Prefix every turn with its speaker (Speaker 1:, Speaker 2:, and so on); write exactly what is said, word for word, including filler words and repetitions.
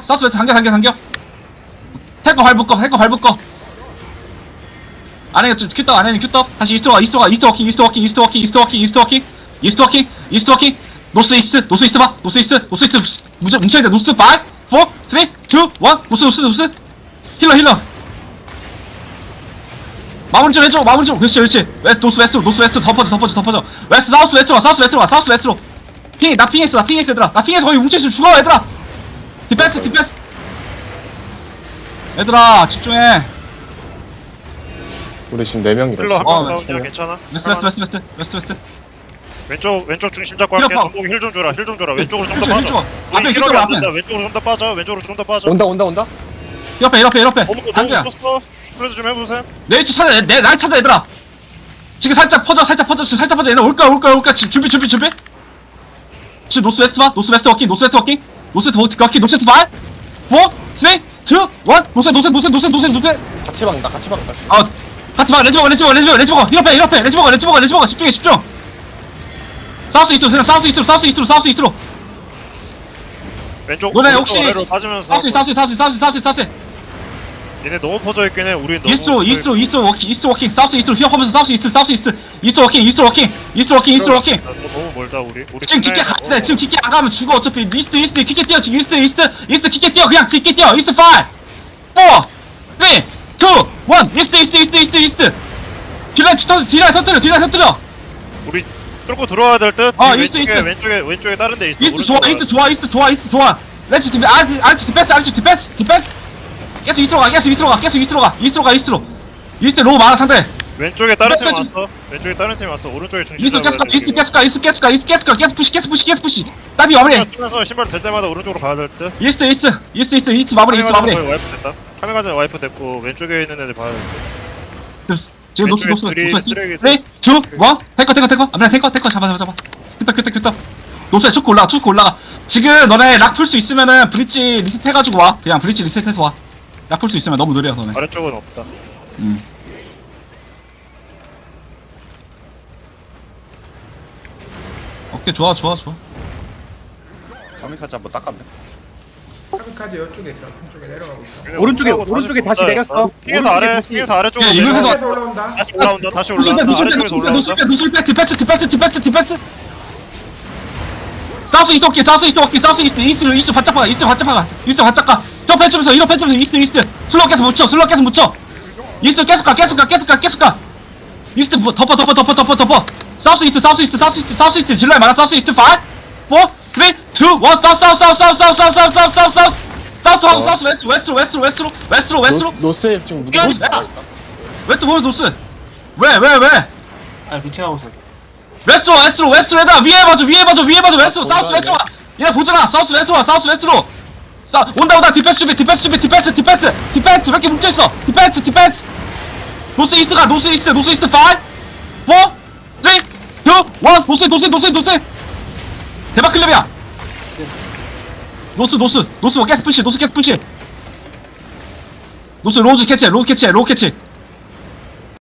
Speaker 1: 사우스 웨스트 당겨 당겨 당겨 탱커 발 묶어 탱커 발 묶어 안에 큐떡 안에는 큐떡 다시 이스트로 가 이스트로 가 이스트 워킹 이스트 워킹 이스트 워킹 이스트 워킹 이스트 워킹 이스트 워킹 이스트 워킹 노스 이스트 노스 이스트 봐 노스 이스트 노스 이스트 무적 뭉쳐야 돼 노스 파이브 사 삼 이 일 노스 노스 노스 힐러 힐러 마무리 좀 해줘 마무리 좀 그렇지 그렇지 웨스트 노스 웨스트로 노스 웨스트로 덮어줘 덮어줘 덮어줘 웨스트 사우스 웨스트로 가 사우스 웨스트로 가 사우스 웨스트로 핑 나 핑했어 나 핑했어 얘들아 나 핑해서 거기 뭉쳐있으면 죽어 얘들아 디펜스 디펜스 얘들아 집중해
Speaker 2: 우리 지금 네 명이라.
Speaker 3: 힐러
Speaker 1: 어,
Speaker 3: 한명
Speaker 1: 네.
Speaker 3: 나오냐 괜찮아?
Speaker 1: 웨스트 웨스트 웨스트 웨스트 웨스트 웨스트
Speaker 3: 왼쪽 왼쪽 중심 잡고
Speaker 1: 힐러
Speaker 3: 할게.
Speaker 1: 파.
Speaker 3: 전복이 힐 좀 줘라 힐 좀 줘라. 왼쪽으로 좀 더
Speaker 1: 힐 줘,
Speaker 3: 빠져.
Speaker 1: 힐 줘. 앞에
Speaker 3: 우리
Speaker 1: 힐러
Speaker 3: 힐러가 안
Speaker 1: 앞에.
Speaker 3: 된다. 왼쪽으로 좀 더 빠져. 왼쪽으로 좀 더 빠져.
Speaker 2: 온다 온다 온다.
Speaker 1: 옆에 옆에 옆에
Speaker 3: 어머 너무
Speaker 1: 단계야
Speaker 3: 컸어. 그래도 좀 해보세요.
Speaker 1: 내 위치 찾아 내 날 찾아 얘들아 지금 살짝 퍼져 살짝 퍼져 지금 살짝 퍼져 얘들아 올까 올까 올까 지금 준비 준비 준비 지금 노스 웨스트 봐 노스 웨스트 워킹 노스 웨스트 워킹 노스 웨스트 워킹 노스 웨스트 파이브 사 삼 이 일 노스 노스 노스 노스 노스 노스
Speaker 2: 같이 박는다 같이 박는다.
Speaker 1: 아 같이 봐 레지버거 레지버거 레지버거 레지버거 힐업해 힐업해 레지버거 레지버거 레지버거 집중해 집중 사우스 이스트로 생각 사우스 이스트로 사우스 이스트로 사우스 이스트로
Speaker 3: 왼쪽
Speaker 1: 너네
Speaker 3: 오른쪽
Speaker 1: 혹시
Speaker 3: 아래로 빠지면서
Speaker 1: 사우스 사우스 사우스 사우스 사우스 사우스
Speaker 3: 얘네 너무 퍼져 있긴 해. 우리 너무
Speaker 1: 이스트로 이스트로 이스트로 워킹 이스트 워킹 사우스 이스트로 힐업하면서 사우스 이스트 사우스 이스트 이스트 워킹 이스트 워킹 이스트 워킹 이스트 워킹
Speaker 3: 너 너무 멀다 우리. 우리
Speaker 1: 지금 깊게
Speaker 3: 그날-
Speaker 1: 가야 돼 지금 깊게 안 가면 죽어 어차피 이스트 이스트 깊게 뛰어 지금 이스트 이스트 이스트 깊게 뛰어 그냥 깊게 뛰어 이스트 파이브 사 삼 이 일 이스트 이스트 이스트 이스트 이스트 딜라인 터 딜라인 터뜨려 딜라인 터뜨려
Speaker 3: 우리 뚫고 들어와야 될 듯.
Speaker 1: 어,
Speaker 3: 왼쪽에
Speaker 1: 이스트, 이스트.
Speaker 3: 왼쪽에 왼쪽에 다른 데 있어.
Speaker 1: 이스트 좋아
Speaker 3: 오른쪽으로
Speaker 1: 이스트 좋아 이스트 좋아 이스트 좋아 렛츠 디펜 아르치 아르치 디펜스 아르치 디펜스 디펜스 계속 이스트로 가 계속 이스트로 가 계속 이스트로 가 이스트로 가 이스트로 이스트 로우 많아 상대
Speaker 3: 왼쪽에 다른 팀
Speaker 1: 왼쪽
Speaker 3: 왔어. 왼쪽에 다른 팀 왔어. 오른쪽에 중심
Speaker 1: 이스트 계속 가
Speaker 3: 잡아야 돼,
Speaker 1: 이스트
Speaker 3: 이거.
Speaker 1: 계속 가 이스트 계속 가 이스트 계속 가 계속 푸시 계속 푸시 계속 푸시 따비 마무리
Speaker 3: 뛰면서 신발 될 때마다 오른쪽으로 가야 될 듯.
Speaker 1: 이스트 이스트 이스트 이스트 이스트 마무리 이스트 마무리
Speaker 3: 카메라 와이프 됐다. 카메라 전에 와이프 됐고 왼쪽에 있는 애들 봐야 될 듯.
Speaker 1: 지금 노스 노스
Speaker 3: 왼쪽에
Speaker 1: 노스
Speaker 3: 쓰레기,
Speaker 1: 쓰리 투 원 탱커 탱커 탱커 아무나 탱커 탱커 잡아 잡아 잡아 큐터 큐터 큐터 노스에 초크 올라가 초크 올라가 지금 너네 락 풀 수 있으면은 브릿지 리셋 해가지고 와 그냥 브릿지 리셋해서 와락 풀 수 있으면 너무 느려 너네
Speaker 3: 아래쪽은 없다.
Speaker 1: 음. 오케이 좋아 좋아 좋아
Speaker 4: 카미카즈 한번 닦았네.
Speaker 5: 카미카즈 이쪽에 있어. 이쪽에 내려가고 있어.
Speaker 6: 오른쪽에,
Speaker 3: 다시
Speaker 6: 오른쪽에
Speaker 3: 본다,
Speaker 6: 다시
Speaker 3: 야.
Speaker 6: 내렸어.
Speaker 3: 핑에서
Speaker 6: 오른쪽에
Speaker 3: 아래
Speaker 6: 다시.
Speaker 3: 핑에서 아래쪽으로
Speaker 1: 야, 이거
Speaker 3: 내려와.
Speaker 1: 해서-
Speaker 5: 에서 올라온다.
Speaker 3: 다시 올라온다. 다시
Speaker 1: 노슬
Speaker 3: 올라온다.
Speaker 1: 빼 노슬 빼
Speaker 3: 아래쪽에서
Speaker 1: 노슬 빼 노슬
Speaker 3: 올라온다.
Speaker 1: 빼 노슬 빼 디펜스 디펜스 디펜스 디펜스 사우스 이스트 워킹 사우스 이스트 워킹 사우스 이스트 이스트 이스트 바짝 가 이스트 바짝 가 이스트 바짝 가 저 펜치면서 이런 펜치면서 이스트 이스트 슬로우 계속 묻혀 슬로우 계속 묻혀 이스트 계속 가 계속 가 계속 가 계속 가 이스트 부- 덮어 덮어 덮어 덮어 덮어 사우스 이스트 사우스 이스트 사우스 이스트 사우스 이스트 질러야 많아 사우스 이스트 파이브 사 삼 이 일 사우스 사우스 사우스 사우스 사우스 사우스 사우스 사우스 사우스 사우스 사우스 하고 사우스 웨스트로 웨스트로 웨스트로 웨스트로 웨스트로 웨스트로
Speaker 2: 노- 노스에 지금 무기.
Speaker 1: 야, 웨스트 보면 노스 왜 왜 왜
Speaker 6: 아, 루팅하고 있어.
Speaker 1: 웨스트로 웨스트로 웨스트로 얘들아 위에 봐줘 위에 봐줘 위에 봐줘 웨스트로 사우스 웨스트로 와 얘네 보잖아 사우스 웨스트로 와 사우스 웨스트로 사 온다 온다 디펜스 준비 디펜스 준비 디펜스 디펜스 디펜스 몇 개 뭉쳐있어 디펜스 디펜스 노스 이스트가 노스 이스트 노스 이스트 파이브 사 삼 이 일 노스 노스 노스 노스 대박 클럽이야 노스 노스 노스 가스 푸시 노스 가스 푸시 노스 로즈 캐치 로즈 캐치 로우 캐치